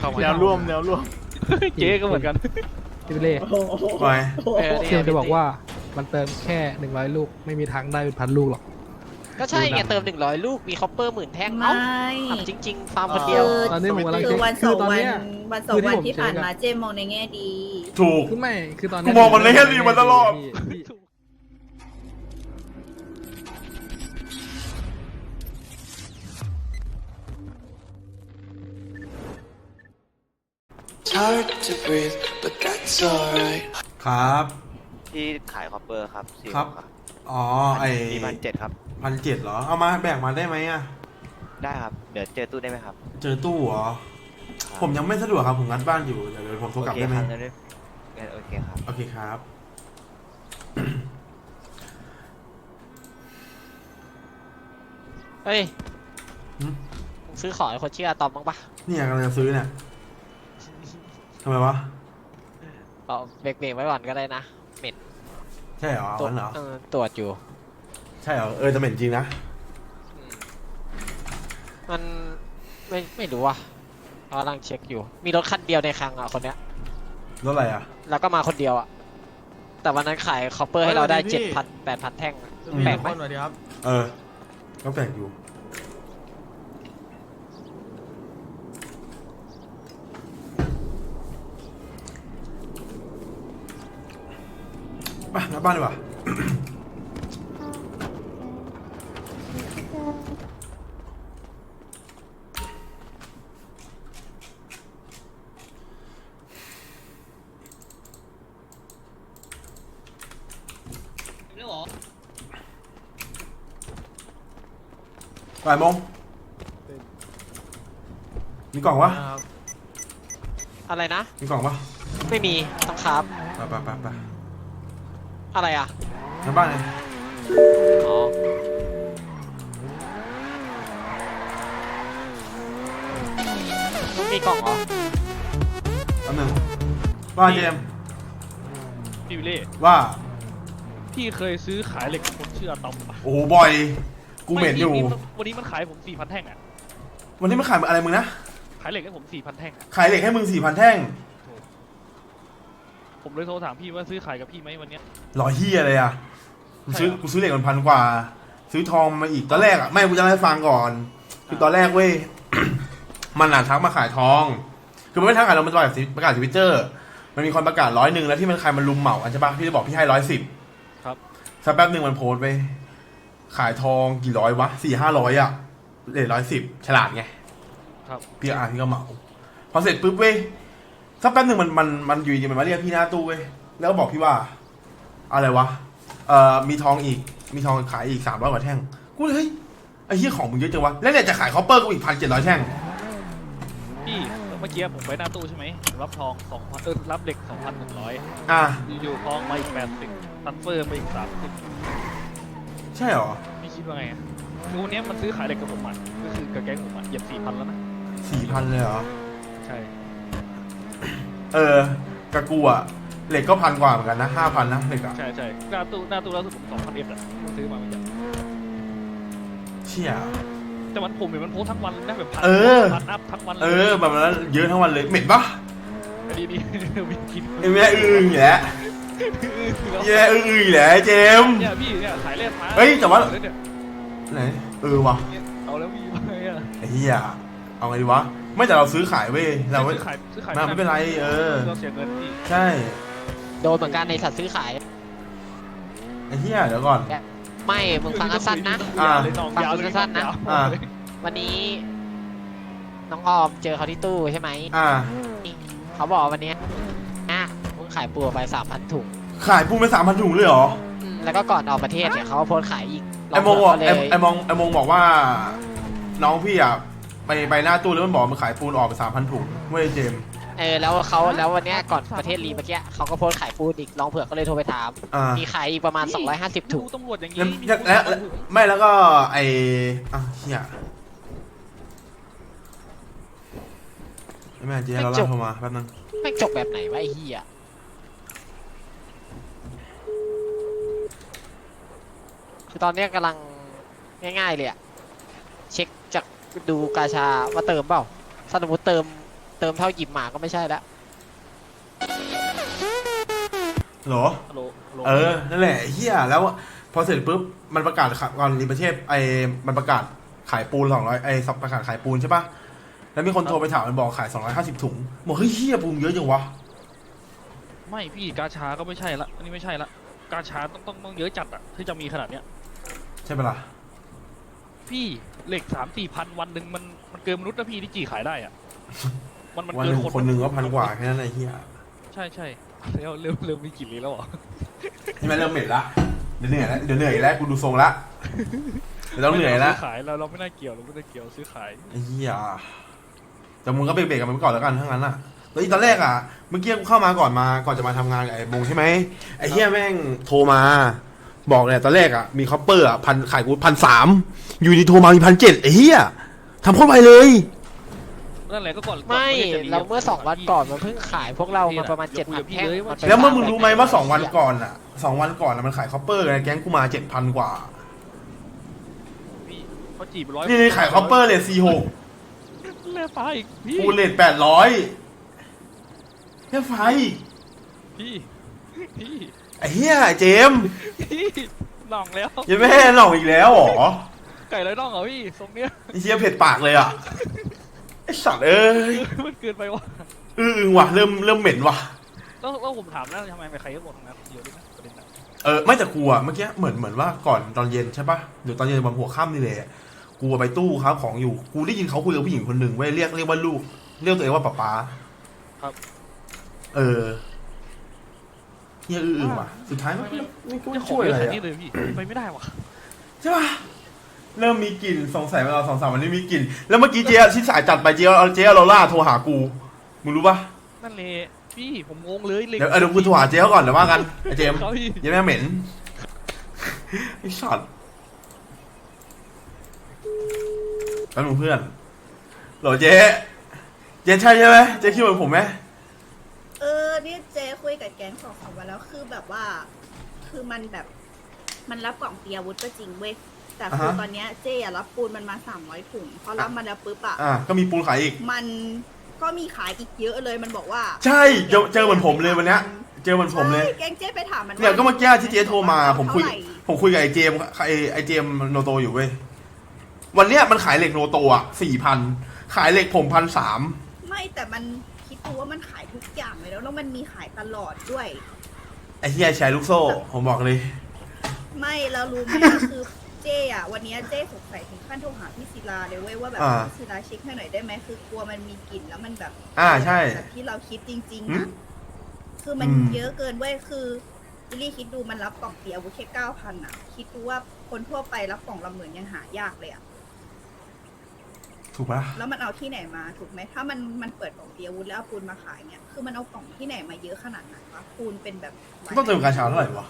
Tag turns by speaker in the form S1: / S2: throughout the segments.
S1: แนวร่วมเจ๊ก็เหมือนกัน
S2: พี่เล่
S3: ไป
S2: เซียมจะบอกว่ามันเติมแค่100 ลูกไม่มีทางได้เป็นพันลูกหรอก
S4: ก็ใช่ไงเติม100 ลูกมีคอปเปอร์10,000 แท่ง
S5: ไม่
S4: เอ้าทำจริงๆฟาร์มคนเดียว
S2: ตอนนี้ผมกำลัง
S5: คื
S2: เช็
S5: อ
S2: ค
S5: วันส
S2: คือ อง ตอน
S5: วัน
S2: เนี้ย
S5: วันสองวันที่ผ่านมาเจมมองในแง่ดี
S3: ถูก
S2: คือไม่คือตอน
S3: กูมองมันในแง่ดีมาตลอด
S2: พี่
S3: ครับ
S6: ที่ขายคอปเปอร์ครับสี่
S3: ครับ อ๋อไอ
S6: มี1,700 ครับ
S3: 1,700เหรอเอามาแบ่งมาได้ไหมอ่ะ
S6: ได้ครับ เดี๋ยวเจอตู้ได้ไหมครับ
S3: เจอตู้เหรอ
S6: ครับ
S3: ผมยังไม่สะดวกครับผมงัดบ้านอยู่เดี๋ยวผมโทรกลับได้ไหม
S6: โอเคครับงั้นโอเคครับ
S3: โอเคครับ
S4: เฮ้ย
S3: หึ
S4: มึงซื้อของให้คนชื่ออะตอมบ้างปะ
S3: เนี่ยกำลังจะซื้อเนี่ยทำไมวะ
S4: เอาเบรกไว้ก่อนก็ได้นะเหม็น
S3: ใช่เหรอ
S4: ตรวจ
S3: วันเหรอ
S4: ตรวจอยู่
S3: ใช่เหรอจะเหม็นจริงนะ
S4: มันไม่รู้อ่ะกำลังเช็คอยู่ มีรถคันเดียวในคลังอ่ะคนเนี้ย
S3: รถอะไรอ่ะ
S4: แล้วก็มาคนเดียวอ่ะ แต่วันนั้นขายคอปเปอร์ให้เราได้ 7,000 8,000 แท่งอะแปลกไหม
S3: เออก็แปลกอยู่ไปงัดบ้านดีกว่า บ่ายโมงมีกล่องวะ
S4: อะไรนะ
S3: มีกล่องปะ
S4: ไม่มีต้องครับ
S3: ไป
S4: อะไรอ่ะ
S3: งัดบ้านไง
S4: อ๋อมีกล่องเหรอ
S3: แป๊บนึงว่าเจมส์
S1: พี่วิลเล่
S3: ว่า
S1: พี่เคยซื้อขายเหล็กกับคนชื่ออะตอมปะ
S3: โอ้โหบ่อย กูเหม็นอยู่
S1: วันนี้มันขายผม 4,000 แท่งอ่ะ
S3: วันนี้มันขายอะไรมึงนะ
S1: ขายเหล็กให้ผม 4,000 แท่งอะ
S3: ขายเหล็กให้มึง4,000 แท่ง
S1: ผมเลยโทรถามพี่ว่าซื้อขายกับพี่ไหมวันเนี้ย
S3: ร้อยเฮียเลยอ่ะกูซื้อเหล็กมัน1,000 กว่า ซื้อทองมาอีกตอนแรกอ่ะไม่กูจะเล่าให้ฟังก่อน คือตอนแรกเว้ย มันน่ะทักมาขายทอง คือมันไม่ทักขายเรามันประกาศทวิตเตอร์มันมีคนประกาศ100แล้วที่มันใครมันลุมเหมาอันใช่ปะพี่จะบอกพี่ให้110
S1: ครับ
S3: สักแป๊บหนึ่งมันโพสต์ไปขายทองกี่ร้อยวะ400-500อ่ะเลท110ฉลาดไง
S1: ครับ
S3: พี่ก็เหมาพอเสร็จปุ๊บเว้ยสักแป๊บหนึ่งมันอยู่ดีมันมาเรียกพี่หน้าตู้เว้ยแล้วก็บอกพี่ว่าอะไรวะมีทองอีกมีทองขายอีก300 กว่าแท่งกูเลยเฮ้ยไอ้เหี้ยของมึงเยอะจังวะแล้วเนี่ยจะขายคอปเปอร์กูอีก1,700 แท่ง
S1: พี่เมื่อกี้ผมไปหน้าตู้ใช่ไหมผมรับทอง2,000รับเหล็ก 2,100
S3: อ่ะ
S1: อยู่ๆทองมาอีก80ทันเฟอร์มาอีก30
S3: ใช่เหรอ
S1: ไม่คิดว่าไงอะคือวันนี้มันซื้อขายเหล็กกับผมอ่ะก็คือกับแก๊งผมอ่ะเหยียบ 4,000 แล้วนะ
S3: 4,000เลยเหรอ
S1: ใช่
S3: กับกูอะเหล็กก็1,000 กว่าเหมือนกันนะ5,000นะเหล็กอะ
S1: ใช่หน้าตู้แล้วสุดผม2,000 อ่ะซื้อมาเมื่อกี้
S3: เชี่ย
S1: แต่มันผมเห็นมันโพสทั้งวันนะแบบพัน
S3: เออ
S1: พันอัพทั้งวันเลย
S3: แบบนั้นเยอะทั้งวันเลยเหม็นปะ
S1: อันนี้มีกิน
S3: ไอ้แม่อีกแล้วแย่อีกแล้วเจมส์
S1: เนี่ยพี่เนี่ยขายเล่นมา
S3: เฮ้ยแต่ว่า
S1: เนี่ย
S3: ไหนวะ
S1: เอาแล้วพี่มาอ่ะ
S3: ไอ้เหี้ยเอาไงดีวะไม่แต่เราซื้อขายเว้ยเราไม่
S1: ซื้อขาย
S3: ไม่เป็นไร
S1: เราเสียเงินพี่
S3: ใช่
S4: โดนเหมือนกันในสัตว์ซื้อขาย
S3: ไอ้เหี้ยเดี๋ยวก่อน
S4: ไม่มึงฟังสั้นๆนะ
S3: อ่า
S1: ยาวเลย
S4: สั้นๆนะ
S3: อ่า
S4: วันนี้ น้องออมเจอเขาที่ตู้ใช่ไหม เขาบอกวันนี้มึงขายปูไป3,000 ถุง
S3: ขายปูไป3,000 ถุงเลยเหรอ
S4: แล้วก็ก่อนออกประเทศเนี่ยเขาก็โพสต์ขายอีก
S3: ไอ้โมงบอก
S4: เลย
S3: ไอ้มงบอกว่า น้องพี่อะไปหน้าตู้แล้วมันบอกมันขายปูนออกไป3,000 ถุงเว้ยเจมส์
S4: แล้ววันเนี้ยก่อนประเทศรีเมื่อกี้เขาก็โพสต์ขายปูนอีกลองเผือกก็เลยโทรไปถาม มีขายอีกประมาณ250 ถุง
S1: ตำรวจอย่างนี้
S3: แล้วไม่แล้วก็ไอ้เหี้ยแม่เจ๊เราล่าโทรมาแป๊บนึง
S4: แม่งจบแบบไหนวะไอ้เหี้ยคือตอนเนี้ยกำลังง่ายๆเลยอะเช็คจากดูกาชาว่าเติมเปล่าสมมติเติมเติมเท่าหยิบหมาก็ไม่ใช่ละ
S3: เหรอ
S1: ฮัลโหลฮัลโหล
S3: นั่นแหละเฮียแล้วพอเสร็จปุ๊บมันประกาศก่อนรีประเทศมันประกาศขายปูน200ประกาศขายปูนใช่ปะแล้วมีคนโทรไปถามมันบอกขาย250ถุงบอกเฮ้ยเฮียปูนเยอะจังวะ
S1: ไม่พี่กาชาก็ไม่ใช่ละอันนี้ไม่ใช่ละกาชาต้องเยอะจัดอะที่จะมีขนาดเนี้ย
S3: ใช่ปะล่ะ
S1: พี่เหล็ก3-4 พันวันหนึ่งมันเกินมนุษย์นะพี่ที่จีขายได้อะมัน
S3: วัน
S1: เกิ
S3: ห
S1: น
S3: นึ่งคนหนึ่งก็พันกว่าแค่นั้นไอ้เฮีย
S1: ใช่แล้วเริ่มมีกลิ่นเลยแล้วเหรอ
S3: นี่มันเริ่มเหม็นละเดี๋ยวเหนื่อยแล้วกูดูทรงละเดี๋ยวต้องเหนื่อยละ
S1: ซื้อขายเราไม่ได้เกี่ยวซื้อขาย
S3: ไอ้เฮียแต่มึงก็เบรกๆกันไปก่อนแล้วกันทั้งนั้นอ่ะแล้วตอนแรกอ่ะเมื่อกี้กูเข้ามาก่อนจะมาทำงานกับไอ้มงใช่ไหมไอ้เฮียแม่งโทรมาบอกเนี่ยตอนแรกอ่ะมีคอปเปอร์อ่ะขายกู1,300อยู่ดีโทรมามี1,700ไอ้เฮียทำโคตรไวเลย
S1: นั่นแหละก็ก่อน
S4: ไม่
S1: ก่อน
S4: เราเมื่อ2 วันก่อนมันเพิ่งขายพวกเรามาประมาณ 7,000 แท่งนไป
S3: แล้วเมื่อมึงรู้ไหมว่า2 วันก่อนอ่ะ2 วันก่อนอ่ะมันขายคอปเปอร์ไงแก๊งกูมา 7,000 กว่า
S1: พี่เขาจีบ100
S3: นี่ขายคอปเปอร์เลท46
S1: แล่ฟ้าอีกพี่
S3: ปูนเลท800แค่ไฟ
S1: พี่
S3: ไอ้เฮียเจมส์
S1: พี่น่องแล้ว
S3: ยังไม่ให้หน่องอีกแล้วเหรอ
S1: ไก่ไรน่องเหรอพี่ทรงเนี้ย
S3: ไอ้เฮียเผ็ดปากเลยอ่ะไอ้สัตว์เอ้ย
S1: มันเกินไปวะ
S3: ว่ะเริ่มเหม็นว่ะ
S1: แล้วผมถามแล้วทำไมใครก็บอกทำงานคนเดียวด้วยนะประเด็นน่ะ
S3: ไม่แต่กูอ่ะเมื่อกี้เหมือนว่าก่อนตอนเย็นใช่ปะหรือตอนเย็นวันหัวค่ำนี่เลยกูไปตู้ครับของอยู่กูได้ยินเขาคุยกับผู้หญิงคนหนึ่งเว้ยเรียกว่าลูกเรียกตัวเองว่าป๊า
S1: ครับ
S3: เฮียว่ะสุดท้ายไม่
S1: จะขอ
S3: ช่วย
S1: เย
S3: อะ
S1: อะ
S3: ไร
S1: ขนาด
S3: อ่ะ
S1: นี้เลยพี่ไปไม่ได้วะ
S3: ใช่ปะเริ่มมีกลิ่นสงสัยมาเรา2-3 วันนี้มีกลิ่นแล้วเมื่อกี้เจ๊ที่สายจัดไปเจ๊เอาโรล่าโทรหากูมึงรู้ปะ
S1: นั่นเลยพี่ผมงงเลยเหล็ก
S3: เดี๋ยวกูโทรหาเจ๊เขาก่อนเดี๋ยวว่ากันไอ้เจมส์
S1: ครับพี่
S3: อยังไม่เหม็นไอ้สัตว์แล้วมึงเพื่อนโหลเจ๊ใช่ไหมเจ๊คิดเหมือนผมไหม
S5: นี่เจคุยกับแก๊ง2-3 วันแล้วคือแบบว่า คือมันแบบ มันรับกล่องเตรียมอาวุธก็จริงเว้ยแต่คือตอนเนี้ยเจอะรับปูนมันมา300 ถุงพอรับมันแล้วปุ๊บอะ
S3: ก็มีปูนขายอีก
S5: มันก็มีขายอีกเยอะเลยมันบอกว่า
S3: ใช่เจอเหมือนผมเลยวันเนี้ยเจอเหมือนผมเลย
S5: ใช่แก๊งเจไปถามมัน
S3: เนี่ยก็เมื่อกี้ที่เจ๊โทรมาผมคุย
S5: เท่าไหร่
S3: กับไอ้เจมไอ้เจมโนโตอยู่เว้ยวันเนี้ยมันขายเหล็กโนโตอ่ะ4,000ขายเหล็กผม1,300
S5: ไม่แต่มันคิดดูว่ามันขายทุกอย่างเลยแล้วมันมีขายตลอดด้วย
S3: ไอ้เฮียแชร์ลูกโซ่ผมบอกเลย
S5: ไม่เรารู้ไหม คือเจอะวันนี้เจสงสัยถึงขั้นโทรหาพี่ศิลาเลยเว้ยว่าแบบพี่ศิลาเช็คให้หน่อยได้ไหมคือกลัวมันมีกลิ่นแล้วมันแบบ
S3: ใช่
S5: แบบที่เราคิดจริงๆอะคือมันเยอะเกินเว้ยคืออิลลี่คิดดูมันรับกล่องเตียอาวุธแค่9,000อะคิดดูว่าคนทั่วไปรับกล่องละ10,000ยังหายากเลยอะ
S3: ถูกปะ
S5: แล้วมันเอาที่ไหนมาถูกไหมถ้ามันเปิดกล่องเตียอาวุธแล้วเอาปูนมาขายเนี่ยคือมันเอากล่องที่ไหนมาเยอะขนาดไหนวะปูนเป็นแบบ
S3: ต้องเติมกาชาเท่าไหร่วะ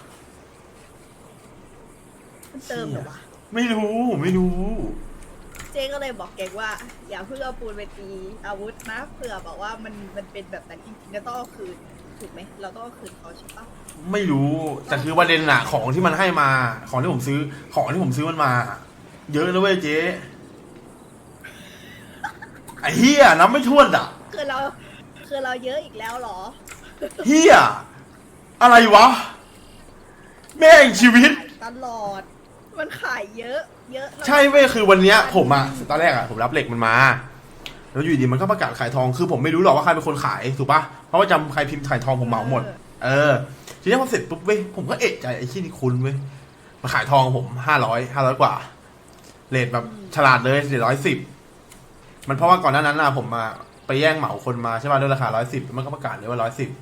S5: มันเติมเหรอวะ
S3: ไม่รู้
S5: เจ๊ก็เลยบอกแกว่าอย่าเพิ่งเอาปูนไปตีอาวุธนะเผื่อบอกว่ามันเป็นแบบนั้นจริงๆแล้วต้องเอาคืนถูกไหมเราต้องเอาคืนเขาใช่ปะ
S3: ไม่รู้แต่คือประเด็นอะของที่มันให้มาของที่ผมซื้อมันมา เยอะนะเว้ยเจ๊ไอ้เฮียนับไม่ถ้วนอ่ะ
S5: คือเราเยอะอีกแล้วเหรอ
S3: เฮียอะไรวะแม่งชีวิต
S5: ตลอด มันขายเยอะแล้ว
S3: ใช่เว้ยคือวันเนี้ยผมอะตอนแรกอะผมรับเหล็กมันมาแล้วอยู่ดีมันก็ประกาศขายทองคือผมไม่รู้หรอกว่าใครเป็นคนขายถูกปะเพราะว่าจำใครพิมพ์ขายทองผมเหมาหมดทีนี้พอเสร็จปุ๊บเว้ยผมก็เอะใจไอ้ที่นี่คุณเว้ยมาขายทองผม500กว่าเรทแบบฉลาดเลย110มันเพราะว่าก่อนหน้านั้นนะผมมาไปแย่งเหมาคนมาใช่ป่ะด้วยราคา110มันก็ประกาศเลยว่า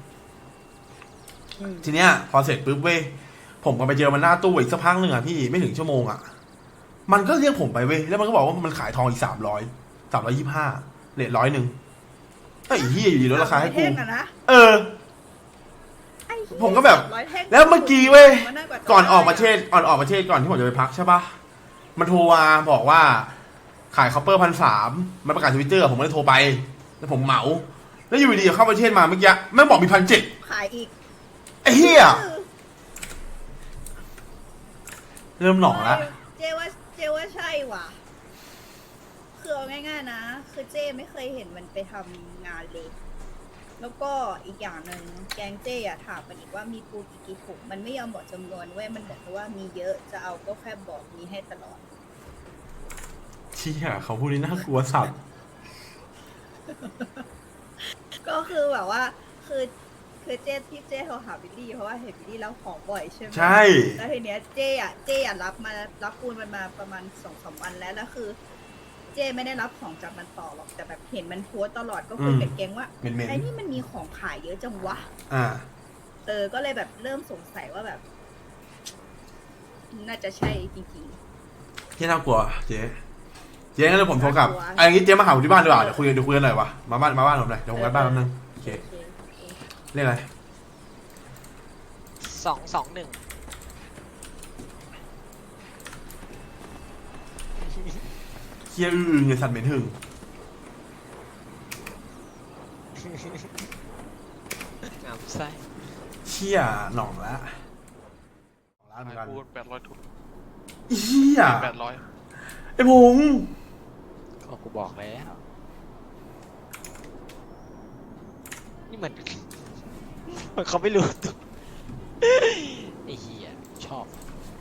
S3: 110ทีเนี้ยพอเสร็จปุ๊บเว้ยผมก็ไปเจอมันหน้าตู้อีกสักพักหนึ่งอะพี่ไม่ถึงชั่วโมงอะมันก็เรียกผมไปเว้ยแล้วมันก็บอกว่ามันขายทองอีก325เรท100ไอ้เหี้ยอยู่ดีลดราคาให้กู
S5: แท่งอะนะ ไอ้เหี้ย
S3: ผมก็แบบ
S5: 300ท่ง
S3: แล้วเมื่อกี้เว้ย
S5: มันน่ากว่า
S3: ก่อนออกประเทศก่อนที่ผมจะไปพักใช่ปะมันโทรมาบอกว่าขายคอปเปอร์1,300มันประกาศทวิตเตอร์ผมก็เลยโทรไปแล้วผมเหมาแล้วอยู่ดีๆเข้าประเทศมาเมื่อกี้แม่งบอกมี1,700
S5: ขายอีก
S3: ไอ้เหี้ยเริ่มหนองละ
S5: เจว่าใช่ว่ะ คืคือเอาง่ายๆนะ คือเจ้ไม่เคยเห็นมันไปทำงานเลย แล้วก็อีกอย่างหนึ่งแกงเจ้อะถามมันอีกว่ามีปูกี่ถุงมันไม่ยอมบอกจำนวนเว้ยมันบอกว่ามีเยอะจะเอาก็แค่บอกมีให้ตลอด
S3: เชี่ยเขาพูดนี่น่ากลัวสัตว์
S5: ก็คือแบบว่าคือเจ้ที่เจ้โทรหาบิลลี่เพราะว่าเห็นบิลลี่รับของบ่อยใช่ไหม
S3: ใช่
S5: แล้วทีเนี้ยเจ้อะรับปูนมันมาประมาณ2-3 วันแล้วคือ เจ้ไม่ได้รับของจากมันต่อหรอกแต่แบบเห็นมันโพสต์ตลอดก็คุยกับแกงว่า
S3: เหม็น
S5: ไอ้นี่มันมีของขายเยอะจังวะ
S3: ๆอ่า
S5: ก็เลยแบบเริ่มสงสัยว่าแบบ น่าจะใช่จริง
S3: ที่น่ากลัวเจ๊งั้นเดี๋ยวผมโทรกลับ
S5: น่ากลัว
S3: ไอ้อย่างงี้เจ๊มาหาผมที่บ้านดีกว่าเดี๋ยวคุยกันหน่อยวะมาบ้านผมหน่อยเดี๋ยวผมไปบ้านแป๊บนึงโอเค
S5: โอเค
S3: เรียกอะไร
S4: 221
S3: เชี่ยอึ้งไอ้สัตว์เหม็นหึง
S4: งามไส้
S3: เชี่ยหน่องละร้านเหมือนกัน
S1: ปูน800 ถุง
S3: เชี่ย
S1: 800
S3: ไอ้พงษ์
S4: ก็กูบอกแล้ว นี่เหมือน เขาไม่รู้ตัวไอ้เหี้ยชอบ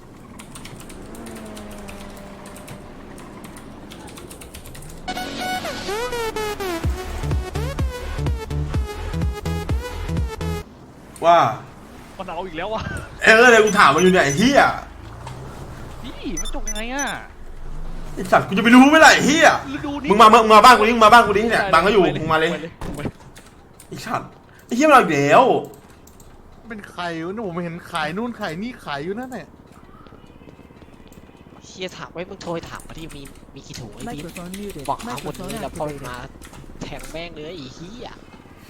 S3: ว่า
S1: มันเอาอีกแล้ววะ
S3: เลยกูถามมันอยู่เนี่ยไอ้เฮีย
S1: พี่มันจบยังไงอ่ะ
S3: ไอ้สัตว์กูจะไปรู้ไหมล่ะไอ้เฮีย
S1: ฤดูนี้
S3: มึงมาบ้านกูดิมาบ้านกูดิเนี่ยบังก็อยู่มึงมาเลยไอ้สัตว์ไอ้เฮียมันเอาอีกแล้ว
S7: เป็นไข่วะเนี่ยผมเห็นขายนู่นขายนี่ขายอยู่นั่นแหละ
S4: เฮียถามไว้มึงโทรไปถามมาที่มีกี่ถุงไอ้บิ๊ก
S8: Microphone muted.
S4: บอกเอาหมดเลย
S8: Microphone
S4: แล้วพอ
S8: activated.
S4: มาแทงแม่งเลยไอ้เหี้ย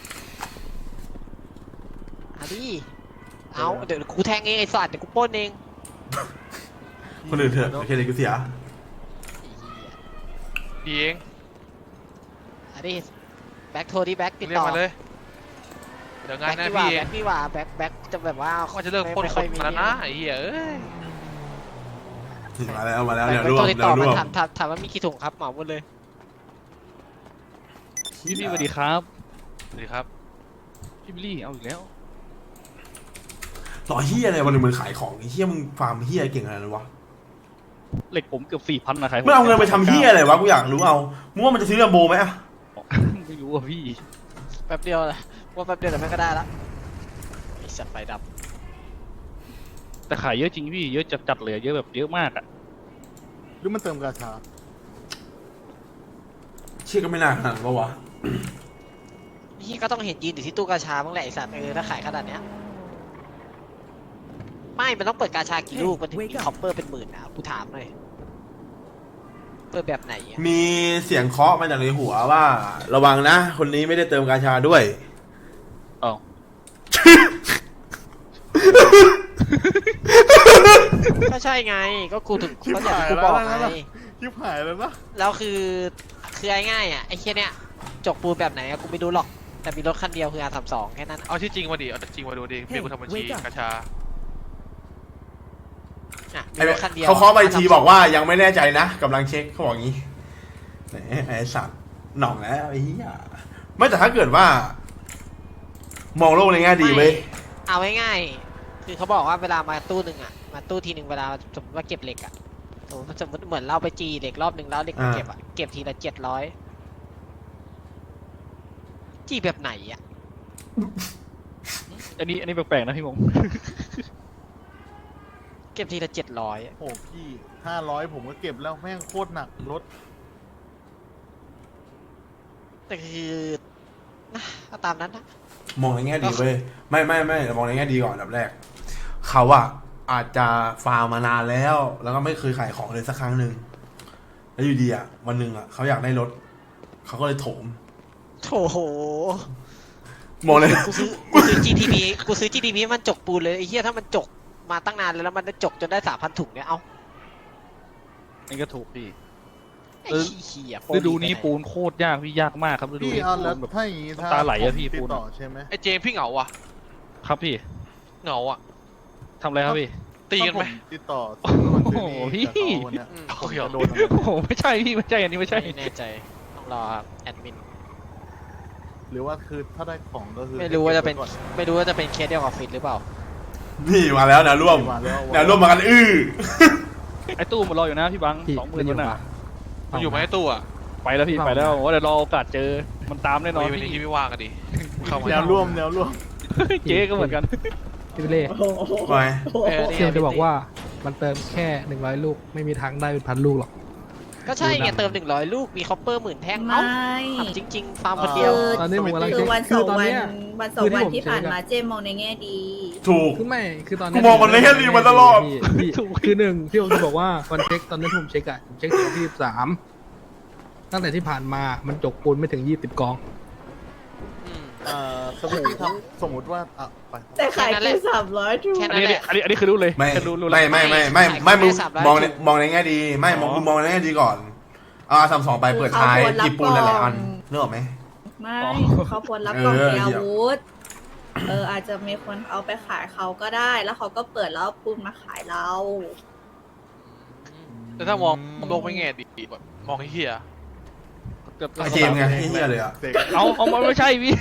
S4: เอาดิเอาเดี๋ยวกูแทงเองไอ้สัตว์เดี๋ยวกูปล้นเอง
S3: คนอื่นเถอะโอเคเลยกูเสีย
S4: ไอ้เหี้ย
S9: ดีเอง
S4: เอาดิแบ็คโทรดิแบ็คติด
S9: เรียก
S4: ต่อ
S9: มาเลย เดี๋ยวงาน
S4: แบ็
S9: ห
S4: ค
S9: น้า
S4: พี่ว่า
S9: พี่เอ
S4: แบ็
S9: ง
S4: คพี่ว่าแบ็คจะแบบว่า
S9: ว่าจะเลิกปล้น
S4: ไม่
S9: ค
S4: ค่อน ยมี
S9: มาแล้วนะไอ้เหี้ยเอ้ย
S3: มาแล้ว
S4: แบ็
S3: เดี๋
S4: ค
S3: ยว
S4: ไป
S3: รว
S4: โท
S3: ม
S4: รติด
S3: เดี๋
S4: ต่
S3: ย
S4: อ
S3: วร
S4: มาว
S3: ม
S4: ถามว่ามีกี่ถุงครับเหมาหมดเลย
S1: พี่สวัสดีครับ
S9: สวัสดีครับ
S1: พี่บิลลี่เอาอีกแล้ว
S3: ต่อเฮียอะไรวันหนึ่งมึงขายของไอ้เฮียมึงฟาร์มเฮียเก่งขนาดนั้นวะ
S1: เหล็กผมเกือบ 4,000นะใคร
S3: ไม่เอาเงินไปทำเฮียอะไรวะกูอยากรู้เอามึงว่ามันจะซื้อลำโบไหมอะ
S1: ไม่รู้อ่ะพี่
S4: แป๊บเดียวเลยว่าแป๊บเดียวแต่แม่งก็ได้ละไอ้สัตว์ไฟดับ
S1: แต่ขายเยอะจริงพี่เยอะจัดๆเลยเยอะแบบเยอะมากอ่ะ
S7: หรือมันเติมกาชา
S3: เชี่ยก็ไม่น่าขนาดนั้นปะวะ
S4: นี่ก็ต้องเห็นยืนอยู่ที่ตู้กาชาบ้างแหละไอ้สัตว์ถ้าขายขนาดเนี้ยไม่มันต้องเปิดกาชากี่ลูกมันถึงมีคอปเปอร์เป็นหมื่นนะกูถามหน่อยเปิดแบบไหนอะ
S3: มีเสียงเคาะมาจากในหัวว่า ระวังนะ คนนี้ไม่ได้เติมกาชาด้วย
S1: เอ้า
S4: ก็ใช่ไงก็กูถึง
S7: ชิบ
S4: เขาอยาก
S7: หาย
S4: กู
S7: แล้
S4: บ
S7: ว
S4: อก
S7: นะ
S4: ไง
S7: ชิบหายแล้วนะ
S4: แล้วคือง่ายๆอ่ะไอ้เชี่ยเนี้ยจกปูนแบบไหนอะกูไม่รู้หรอกแต่มีรถคันเดียวคือR32แค่นั้น
S9: เอาที่จริงมาดิ เอาที่จริงมาดูดิเมียกูทำบัญชี
S8: wake up
S9: กาชา
S4: อ่ะมี
S3: ไอ้
S4: รถคันเดียว
S3: เขาเคาะไปทีบอกว่ายังไม่แน่ใจนะกำลังเช็คเขาบอกงี้แหมไอ้สัตว์หน่องแล้วไอ้เหี้ยไม่แต่ถ้าเกิดว่า มองโลกในแง่ดีเว้ย
S4: เอาง่ายๆคือเขาบอกว่าเวลามาตู้หนึ่งอ่ะมาตู้ทีหนึ่งเวลาสมมติว่าเก็บเหล็กอ่ะสมมติเหมือนเราไปจีเหล็กรอบหนึ่งแล้วเหล็กมาเก็บอ่ะเก็บทีละ700จีแบบไหนอ่ะ
S1: อันนี้แปลกๆนะพี่มง
S4: เก็บทีละ700อะ
S7: โอ้พี่500ผมก็เก็บแล้วแม่งโคตรหนักรถ
S4: แต่คือนะก็ตามนั้นนะ
S3: มองในแง่ดีเว้ยไม่มองในแง่ดีก่อนอันดับแรกเขาอะอาจจะฟาร์มมานานแล้ว แล้วก็ไม่เคยขายของเลยสักครั้งหนึ่งแล้วอยู่ดีอะวันหนึ่งอะเขาอยากได้รถเขาก็เลยโถม
S4: โถโห
S3: มองเลย
S4: กูซื้อ GTP กูซื้อ GTP มันจกปูนเลยไอ้เหี้ยถ้ามันจกมาตั้งนานแล้วมันจกจนได้ 3,000 ถุงเนี่ยเอา
S1: นี่ก็ถูกพี่
S4: ไอ้เหี้ยโปร
S1: ฤดูนี้
S4: ไปไห
S1: ปูนโคตรยากพี่ยากมากครับฤดู
S7: พี่
S1: นี้
S7: เอา
S1: ปู
S7: แล้ว
S1: นแบบ
S7: ถ้าอย่างงี้
S1: น้ำตาไหลอะพี่
S7: ผมติ
S1: ปู
S7: ด
S1: น
S7: ต่อใช่ไหม
S9: ไอ้เจมส์พี่เหงาว่ะ
S1: ครับพี่
S9: เหงาอ่ะ
S1: ทำอะไรครับพี่
S9: ตีกันไหม
S7: ถ้าผติดต่อซื้อนู่นซื้อนี่กับเขาวันเนี้ย
S4: อืม
S7: ผมจะโดนอะไร
S1: โอ้โหไม่ใช่พี่ไม่ใช่อันนี้ไม่ใช่
S4: ไม่แน่ใจต้องรอครับแอดมิน
S7: หรือว่าคือถ้าได้ของก็คือ
S4: ไม่รู้ว่าจะเป็น
S7: ก็บไก่อ
S4: ไม่รู้ว่าจะเป็นเคสเดียวกับฟิตหรือเปล่า
S3: นี่มาแล้วแนวร่วม
S7: มาแล้ว
S3: แนวร่วมมากัน
S1: ไอ้ตู้มันรออยู่นะพี่บัง
S2: พี่
S1: 20,000
S2: มันอยู่
S1: มัน
S2: ปะ
S1: น่ะ
S9: มันอยู่ไหมไอ้ตู้อ่ะ
S1: ไปแล้วพี่ไปแล้วว่าเดี๋ยวรอโอกาสเจอมันตามแน่นอน
S9: วันนี้
S1: พี่
S9: ที่ไม่ว่างกันดิเข้ามา
S7: แนวร่วมแนวร่วม
S1: เจ๊ก็เหมือนกัน
S2: พี่เล่
S3: ไป
S2: เซียมจะบอกว่ามันเติมแค่100 ลูกไม่มีทางได้เป็นพันลูกหรอก
S4: ก็ใช่ไงเติม100 ลูกมีคอปเปอร์10,000 แท่ง
S5: ไม่
S4: เอ้าถามจริง ๆ ฟาร์มคนเดียว
S2: ตอนนี้ผมกำลัง
S5: คื
S2: เช็
S5: อ
S2: ค
S5: วันส
S2: คือ อง ตอน
S5: วัน
S2: เนี้ย
S5: วันสอง
S2: คือที่
S5: วัน
S2: ผม
S5: ที่ผ่าน
S2: เช็คอะ
S5: มาเจมองในแง่ดี
S3: ถูก
S2: คือไม่คือตอน
S3: กูมองมันในแง่ดีมาตลอด
S2: พี่คือหนึ่งที่ผมจะบอกว่าวันเช็คตอนนี้ผมเช็คอะผมเช็คถึงวันที่13ตั้งแต่ที่ผ่านมามันจกปูนไม่ถึง20 กอง
S7: สมมติครับสมมติว่าไป
S5: แต่ขาย
S4: แค่นั้นแห
S5: แค่
S4: ละ
S5: 300ถูก
S4: แค่
S1: อั
S4: นั้น น
S1: นี้
S4: แหละ
S1: อันนี้คือรู้เลย
S3: ไม่
S1: แค่รู้
S3: ไม่
S1: แล้ว
S3: ไม่มึง
S4: ขายแค่300
S3: มองใน
S4: ถูก
S3: มองในแง่ดีไม่มอง
S1: อ๋อ
S3: มึงมองในแง่ดีก่อน32ไปเปิดท้ายหยิบปูนหลายๆอันนึกออกไหม
S5: ไม่เขาควรรับกล่องเตรียมอาวุธอาจจะมีคนเอาไปขายเขาก็ได้ แล้วเขาก็เปิดแล้วเอาปูนมาขายเรา
S9: แต่ถ้ามองโลกไม่แง่ดีแบบมองให้เฮีย
S3: ไอเจมส์ไงเฮี้ยเลยอ่ะ
S7: เสก
S1: เอามันไม่ใช่พี่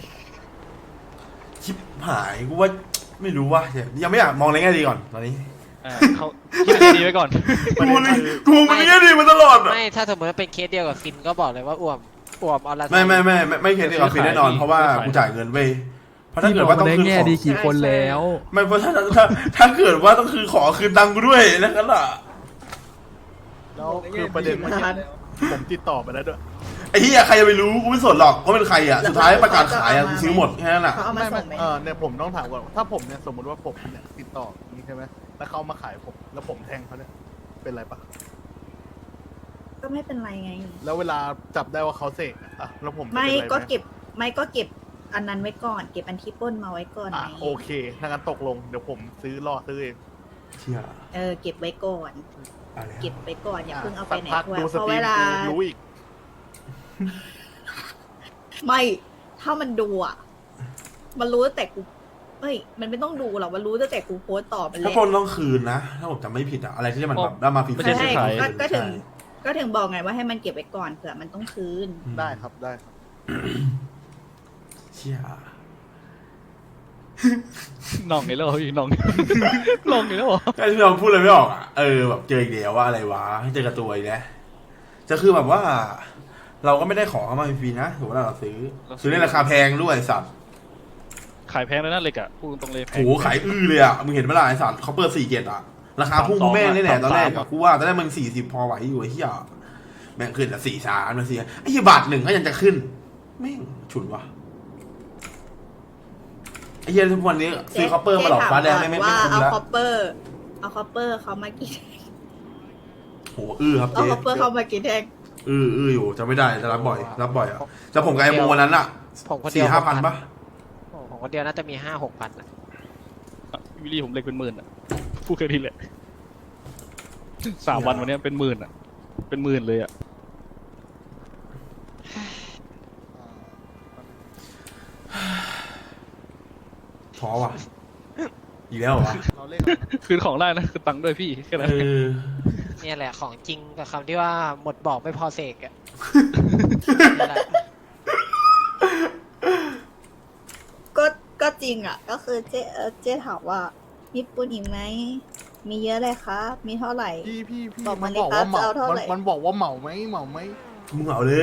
S3: ชิบหายกูว่าไม่รู้ว่ายังไม่อยากมองในแง่ดีก่อนตอนนี้
S1: เขาคิดให้ดีไว้ก่อน
S3: กูนี่กูมันในแง่ดีมาตลอดอะ
S4: ไม่ถ้าสมมติว่าเป็นเคสเดียวกับฟินก็บอกเลยว่าอ้วมเอาละ
S3: ไม่เคสดีกับฟินแน่นอนเพราะว่ากูจ่ายเงินเว้ยเพราะถ้าเกิดว่าต้อง
S2: ได้
S3: คืน
S2: แง่
S3: ของ
S2: ดีกี่คนแล้ว
S3: ไม่เพราะถ้าเกิดว่าต้องคือขอคืนตังค์กูด้วยแล้วกันล่ะ
S7: แล้วคือประเด็นเมื่อกี้ผมติดต่อไปแล้วด้วย
S3: ไอ้เหี้ยใครจะไปรู้กูไม่สนหรอกว่าเป็นใครอ่ะสุดท้ายประกาศขายอ่ะกูซื้อหมดแค่นั้นอ่ะ
S5: เขาเอามาส่งไหม
S7: เนี่ยผมต้องถามก่อนถ้าผมเนี่ยสมมติว่าผมเนี่ยติดต่ออย่างนี้ใช่ไหมแล้วเขามาขายผมแล้วผมแทงเขาเนี่ยเป็นไรปะ
S5: ก็ไม่เป็นไรไง
S7: แล้วเวลาจับได้ว่าเขาเสกแล้วผมจะ
S5: ไม่
S7: เป็นไรห
S5: ก็เก็บอันนั้นไว้ก่อน เก็บอันที่ปล้นมาไว้ก่อนไง
S7: โอเคถ้างั้นตกลงเดี๋ยวผมซื้อเอง
S3: เชี่ย
S5: เก็บไว้ก่อน
S3: อะไร
S5: เก็บไว้ก่อนอย่าเพิ่งเอาไปไหน
S7: สักพัก
S5: ด้วย
S7: ดูส
S5: เพราะ
S7: ตรี
S5: เว
S7: ม
S5: ลา
S7: กูรู้อีก
S5: ไม่ถ้ามันดูอ่ะ มันรู้ตั้งแต่กูมันไม่ต้องดูหรอกมันรู้ตั้งแต่กูโพสต์ต่อมันเล
S3: ถ้าย ปล้นต้องคืนนะถ้าผมจำไม่ผิดอ่ะอะไรที่มันแบบได้มาฟรี
S1: ไม่ใช่
S5: ใช่
S1: ขาย
S5: ก็ถึงบอกไงว่าให้มันเก็บไว้ก่อนเผื่อมันต้องคืน
S7: ได้ครับได้ครับ
S3: เชี่ย
S1: น้องไงแล้วพี่น้องน้องไงแล้วเหรอ
S3: ไอ้ที่เราพูดเลยไม่ออกอ่ะแบบเจออีกเดียวว่าอะไรวะเจอกับตัวอีกแล้วจะคือแบบว่า เราก็ไม่ได้ขอเข้ามาฟรีนะถือว่าเราซื้อในราคาแพงด้วยสัตว์
S1: ขายแพงเลยนะเหล็กอ่ะพูดตรงเลยแพ
S3: โห
S1: ง
S3: ขายเลยอ่ะมึงเห็นไหมล่ะไอ้สัตว์เขาเปิด4 เกตอ่ะราคาพุ่งแม่งเลยแหละตอนแรกอะกูว่าตอนแรกมัน40พอไหวอยู่ไอ้เหี้ยแม่งขึ้นแต่43มาไอ้เหี้ยบาท1ก็ยังจะขึ้นแม่งฉุนวะไอ้เหี้ยทุกวันนี้ซื้อคอปเปอร์มาหลอกฟ้าแดงไม่
S5: ว่า
S3: คุ้ม
S5: เอา
S3: แล้ว
S5: คอปเปอร์เขามากี่
S3: โหครับ
S5: เอา
S3: เจ๊
S5: คอปเปอร์เขามากี่แท่ง
S3: อยู่จะไม่ได้จะรับบ่อยอ่ะจะผมกับไอ้โมวันนั้นอ่ะ
S4: ผมคนเดียว
S3: 4-5 พันปะ
S4: ผมคนเดียวน่าจะมี5-6 พัน
S1: วิลลี่ผมเหล็กเป็นหมื่นอ่ะพูดแค่นี้แหละ3 วันวันนี้เป็นหมื่นอ่ะเป็นหมื่นเลยอ่ะ
S3: ท้อว่ะอีกแล้วเหรอวะ
S7: เราเล่นกันนะ
S1: คืนของได้นะคือตังค์ด้วยพี่แค่นั้น
S4: เนี่ยแหละของจริงกับคำที่ว่าหมดบอกไม่พอเสกอะนี่แหละ
S5: ก็จริงอ่ะ ก็คือเจ๊ถามว่ามีปูนอีกไหมมีเยอะเลยครับมีเท่าไหร่
S7: พี่
S5: บอก
S7: มั
S5: มาน เลย
S7: บอกว่า
S5: ครับ
S7: เหมา
S5: จะเอาเท่าไหร่
S7: มันบอกว่าเหมาไหม
S3: มึงเอาเลย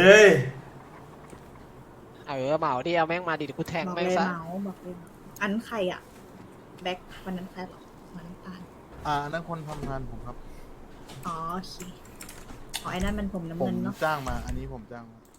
S4: เหมาดิเอาแม่งมาดิเดี๋ยวกูแทง
S5: บอก
S4: แม่ง
S5: เลย
S4: ซะ
S5: เมาส์บอกเลยอันใครอ่ะ แบ็ควันนั้นใครหรอวันน้ำตาล
S7: นั่นคนทำงานผมครับ
S5: อ๋อโอเคอ๋อไอ้นั่นมันผมน้ำ
S7: ผม
S5: เงินเนาะ
S7: จ้างมา อันนี้ผมจ้างมา